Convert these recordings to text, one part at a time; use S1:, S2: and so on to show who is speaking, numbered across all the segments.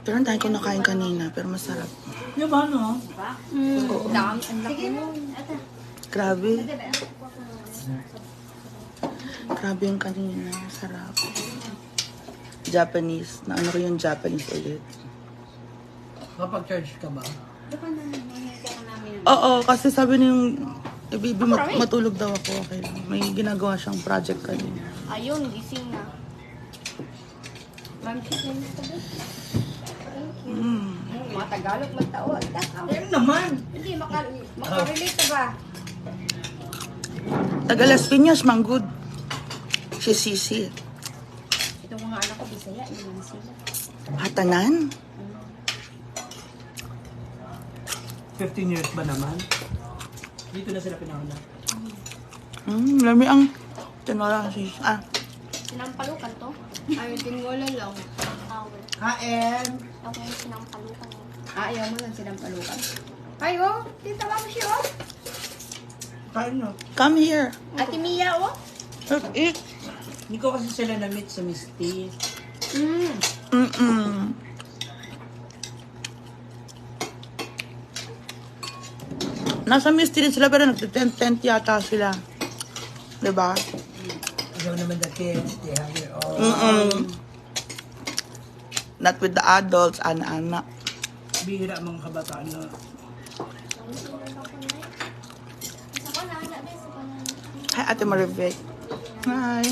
S1: Pero ang dahil ko nakain kanina, pero masarap.
S2: Yung ba, no?
S1: Oo.
S3: Dami, ang laki mo.
S1: Grabe. Grabe yung kanina. Sarap. Japanese. Na ano ko yung Japanese ulit.
S2: Kapag charge ka ba?
S1: Oo, kasi sabi niya yung baby, matulog daw ako. Okay lang. May ginagawa siyang project kanina.
S3: Ayun, gising na. Ma'am, chicken na tabi. Mga Tagalog, magtao.
S2: Ayun naman!
S3: Hindi, makarelate ka ba?
S1: Taga Las Piñas, manggod. Si Sisi.
S3: Itong mga anak ko, Bisaya, ilan sila.
S1: Hatanan?
S2: 15 years ba naman? Dito na sila pinahula.
S1: Lami ang tinora si
S3: Sinampalukan to? Ay, tingola lang. Towel.
S2: Kain!
S3: Ako yung sinampalukan.
S4: Ayaw mo lang sinampalukan. Ay, oh! Tita mo siya, oh!
S2: Kain no?
S1: Come here.
S4: Ate Mia, oh!
S1: Let's eat.
S2: Hindi ko kasi sila na-meet sa Misty.
S1: Nasa mystery sila pero nagtitent-tent yata sila. Diba?
S2: Ayaw naman the kids, they have their own.
S1: Not with the adults, anak-anak.
S2: Bihira ang mga kabataan na.
S1: Hi, Ate Maribek. Hi.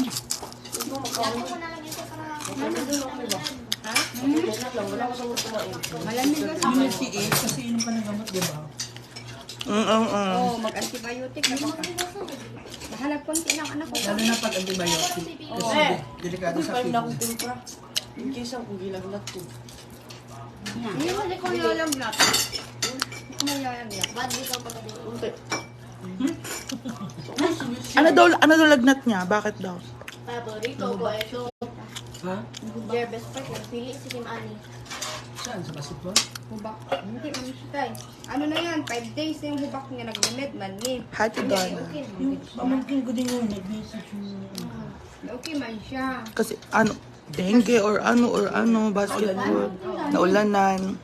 S4: Malamig ka.
S2: Unity 8 kasi yun pa ng gamot, di ba?
S4: Oh, mag-antibiotic na baka. Bahala konti lang anak ko.
S2: Lalo na pag antibiotic. Kasi delikado sa kidney.
S4: Hindi mo ko lalamlat. Hindi mo lalamlat.
S3: Ba't di ka pagkakita?
S1: Ano daw lagnat niya? Bakit daw?
S3: Paborito ko ito.
S2: Ha?
S3: Jervis Park, pili si Kim Ani.
S2: Saan? Sa basketball?
S4: Hubak. Hindi, mami siya tayo. Ano na yan? 5 days na yung hubak niya nag-limit man ni.
S1: Hi, Tidana.
S2: Yung pamangkin ko din yun, nag-message yung...
S4: Okay man siya.
S1: Kasi ano, dengue or ano, basketball. Naulanan.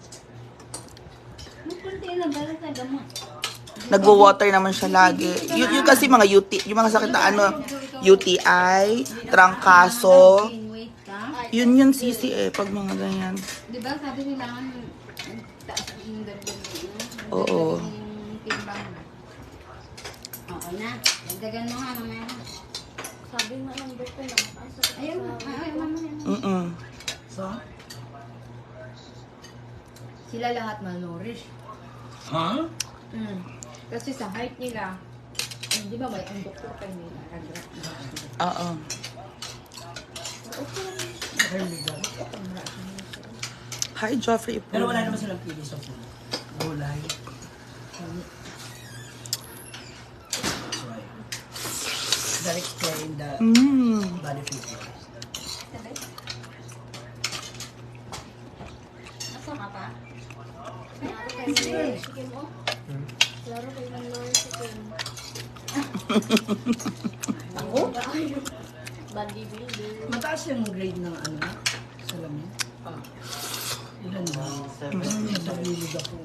S1: Nagwo-water naman siya lagi. Yung kasi mga yung mga sakit na ano, UTI, trangkaso.
S4: Wait ka.
S1: Yun sisi pag mga ganyan.
S4: Di ba sabi nila nga taas yung dagdag
S1: Oo.
S4: yung timbang. Okay na. Dagdagan mo nga mamaya.
S3: Sabi nga ng birthday na mataas sa
S4: Ayun, ay, mamaya.
S2: Sa?
S4: Sila lahat malnourished.
S2: Ha?
S4: Kasi sa height nila, di ba may ang doktor kayo nila, nag-rat na.
S1: Oo.
S2: Hermiga.
S1: Hi, Joffrey.
S2: Pero wala naman silang pili sa food. Gulay. That's why. That explain the body figure.
S3: Nasa ka pa? Klaro kayo ng Lord Chicken mo? Klaro kayo ng Lord Chicken. Ako? Bodybuilder.
S2: Mataas yung grade ng ano, salamin. Ilan ba? Sa bilid ako.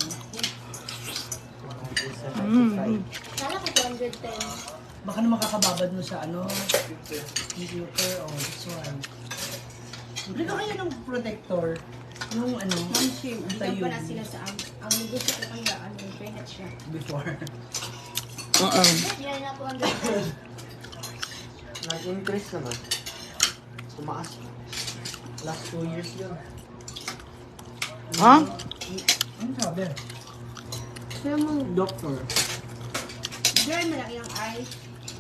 S3: Kala ko 210.
S2: Baka na makakababad mo sa ano, computer o this one. Bili ka kaya ng protector. Yung ano,
S4: Mamshim, di
S2: tayo
S4: pa na sila sa ang gusto ko kaya ano, internet siya.
S2: before.
S3: Yan na 210.
S5: Nag-increase naman. Tumaas. Last 2 years yun.
S1: Ha?
S2: Ano sabi?
S4: Kaya mo,
S2: Doctor.
S4: girl, malaki ang eyes.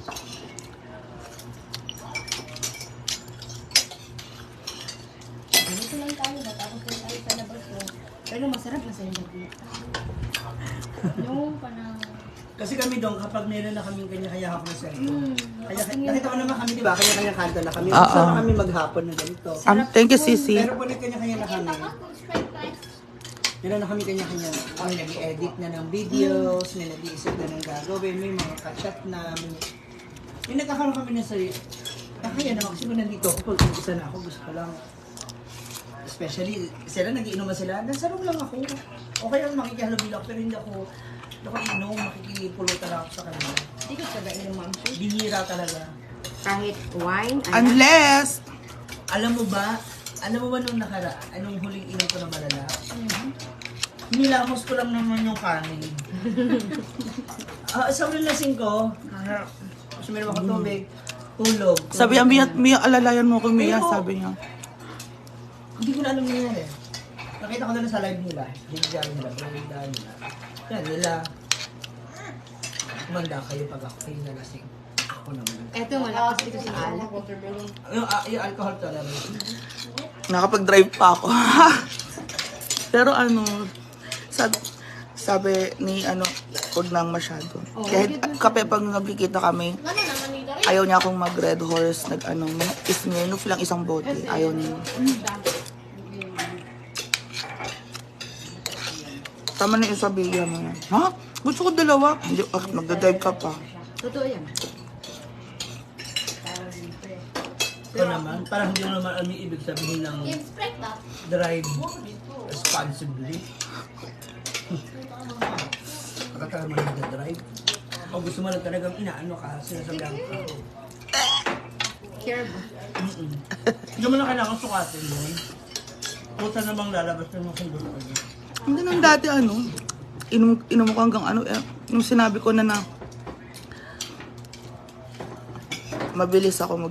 S4: Ganito lang tayo, matapos lang tayo sa labas ko. Pero masarap na sa labas. Yung panang...
S2: Kasi kami doon, kapag meron na kaming kanya-kanya hapon na cellphone. Kaya nakita mo naman kami, di ba? Kanya-kanya kanta na kami. Gusto na kami maghapon na ganito.
S1: Thank you, Sisi.
S2: Pero po kanya-kanya na kami. Meron na kami kanya-kanya. May nag-edit na ng videos, may nag-iisip na ng gagawin, may mga ka-chat na. May nagkakaroon kami na sa... Kaya naman kasi kung nandito ako, pag isa na ako, gusto ko lang Especially, sila nagiinuman sila, nasa room lang ako. Okay lang makikihalubilo ako, pero hindi ako inom, makikipulutan lang ako sa kanila.
S4: Hindi ko taga inom, ma'am.
S2: Bihira talaga.
S4: Kahit wine,
S1: Unless,
S2: Alam mo ba nung anong huling inom ko na malala? Nilamos ko lang naman yung kanin. Sa huling lasing ko, suminom ako tubig, tulog.
S1: sabi niya, Mia, alalayan mo ko, Mia,
S2: Ayoko.
S1: sabi niya.
S2: Hindi ko na alam nangyari. Nakita ko na sa live nila. Bigyan nila, bigyan nila. Yan nila. Kumanda kayo pag ako kayo nalasing. Ako naman.
S4: eto malakas dito sa alak.
S2: Yung alcohol tolerance.
S1: Nakapag-drive pa ako. Pero ano, sabi ni huwag nang masyado. Kahit kape pag nagkikita kami,
S3: Ano naman nito rin?
S1: ayaw niya akong mag-red horse, Smirnoff lang isang bote. Ayaw niya. Tama na yung sabihan mo na. Ha? Gusto ko dalawa. Hindi, magdadrive ka pa.
S4: Totoo yan.
S2: Ito naman, parang hindi mo naman alam yung ibig sabihin ng
S3: Yung Sprite ba?
S2: drive responsibly. Pagkatala mo nag-drive. O gusto mo lang talagang inaano ka, sinasabihan ka.
S4: Care ba?
S2: Hindi mo na kailangan sukatin yun. Puta namang lalabas naman kung gusto ka.
S1: Hindi nang dati inom ko hanggang nung sinabi ko na mabilis ako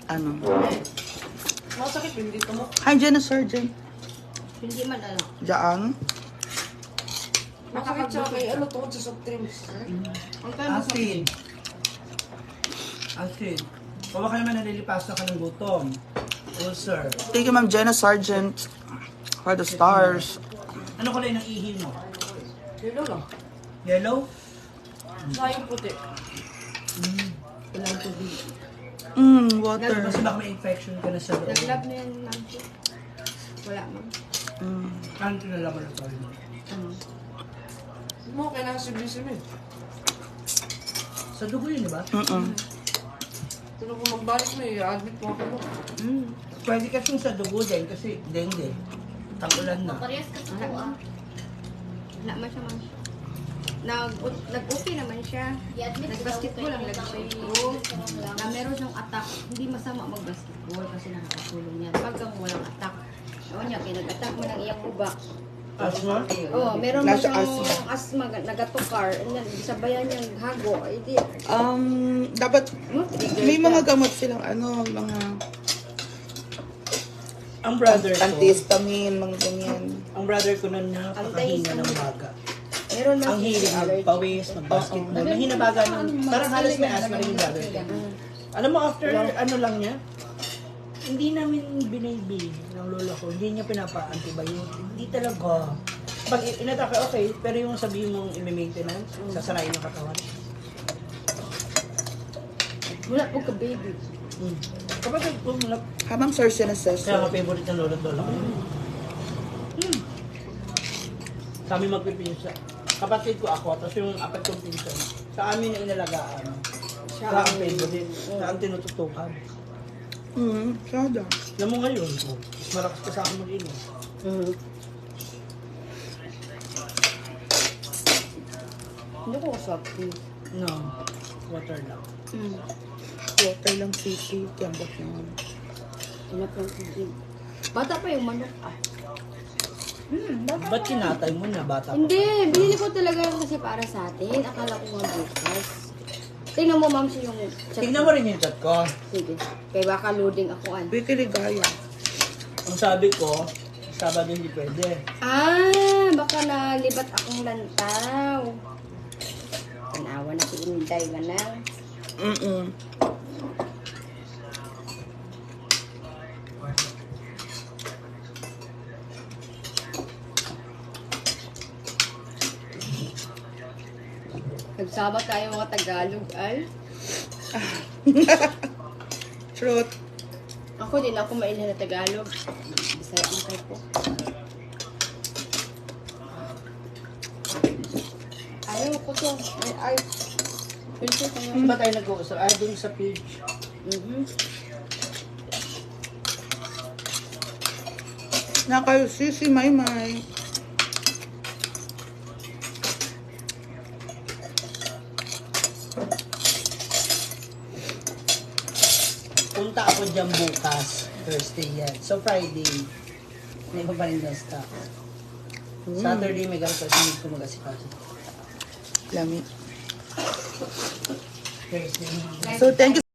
S5: Masakit yung dito mo.
S1: Hi, Jenna Surgeon.
S4: Hindi man
S1: Diyan.
S5: Masakit siya kay ano tungkol sa soft drinks.
S2: Acid. Acid. O baka naman nalilipasan ka ng gutom. Ulcer.
S1: Thank you, Ma'am Jenna Sargent, for the stars.
S2: Ano kulay ng ihi mo?
S5: Yun lang.
S2: Yellow?
S5: Sayang puti.
S4: Ilang tubig.
S1: Water.
S2: Kasi baka may infection ka na sa loob.
S4: Nag-lab na yan, ma'am. Wala, ma'am.
S2: Ano tinalaman na tayo?
S4: Ano?
S5: Mo, kailangan sibisim eh.
S2: Sa dugo yun, di ba?
S5: Pero kung magbalik mo admit mo ako mo.
S2: Pwede kasing sa dugo din kasi dengue. Tag-ulan na.
S3: Parehas kasi po ah.
S4: Wala man siya, ma'am. Nag-okay naman siya.
S3: I-admit
S4: Nag-basketball lang lagi siya.
S3: lang.
S4: Na meron siyang attack. Hindi masama mag-basketball kasi nakakatulong yan. Pag kang walang attack, ewan niya, kinag-attack mo ng iyang ubak.
S2: Asma?
S4: Oo, meron mo
S1: Nasa
S4: siyang asma, nagatukar, and then sabayan niyang hago. Ay, di.
S1: Dapat may mga gamot silang mga
S2: Ang brother ko,
S1: antihistamine, mga ganyan.
S2: ang brother ko na napakahinga ng baga.
S4: Meron man
S2: Ang hilig magpawis, mag-basketball. Nahinabaga ng, parang halos may asthma rin yung brother ko. Alam mo, after lang niya, hindi namin binibili ng lola ko. Hindi niya pinapa-antibiotic. Hindi talaga. Pag inatake, okay. Pero yung sabihin mong i-maintenance, sasarayin ng katawan.
S4: Wala po ka, baby.
S2: Kapatid ko, wala.
S1: Habang source na
S2: Kaya
S1: siya.
S2: nga favorite ng lola at lola ko. Kami magpipinsa. Kapatid ko ako, tapos yung apat kong pinsan. Sa amin na inalagaan. Sa ang favorite. Sa ang tinututukan.
S1: Sada.
S2: Alam mo ngayon, mas malakas ka sa akin mag-inom.
S4: Hindi ko swap.
S2: No, water lang.
S1: Water lang, sisi, tiyambak naman.
S4: Inap ng tubig. Bata pa yung manok.
S2: Ba't kinatay mo na bata pa?
S4: Hindi, binili ko talaga kasi para sa atin. Akala ko nga bukas. Tingnan mo, ma'am, yung chat.
S2: Tignan mo rin yung chat ko.
S4: Sige. Kaya baka loading ako.
S1: Wiki Ligaya.
S2: Ang sabi ko, Sabado hindi pwede.
S4: Baka nalibat akong lantaw. Tanawa na si Inday, manang. Nagsama tayo mga Tagalog, ay.
S1: Truth.
S4: Ako din ako mainhin na Tagalog. Bisaya ang type ko. Ayaw ko to. Ay. Pinto tayo.
S2: Hindi ba tayo nag-uusap? Ay, dun sa page.
S1: Nakalusi si Maymay.
S2: Punta ako dyan bukas. Thursday yan. So Friday, may iba pa rin na stock. Saturday may ganito kasi hindi ko mag-asikaso.
S1: Lami.
S2: Thursday.
S1: So, thank you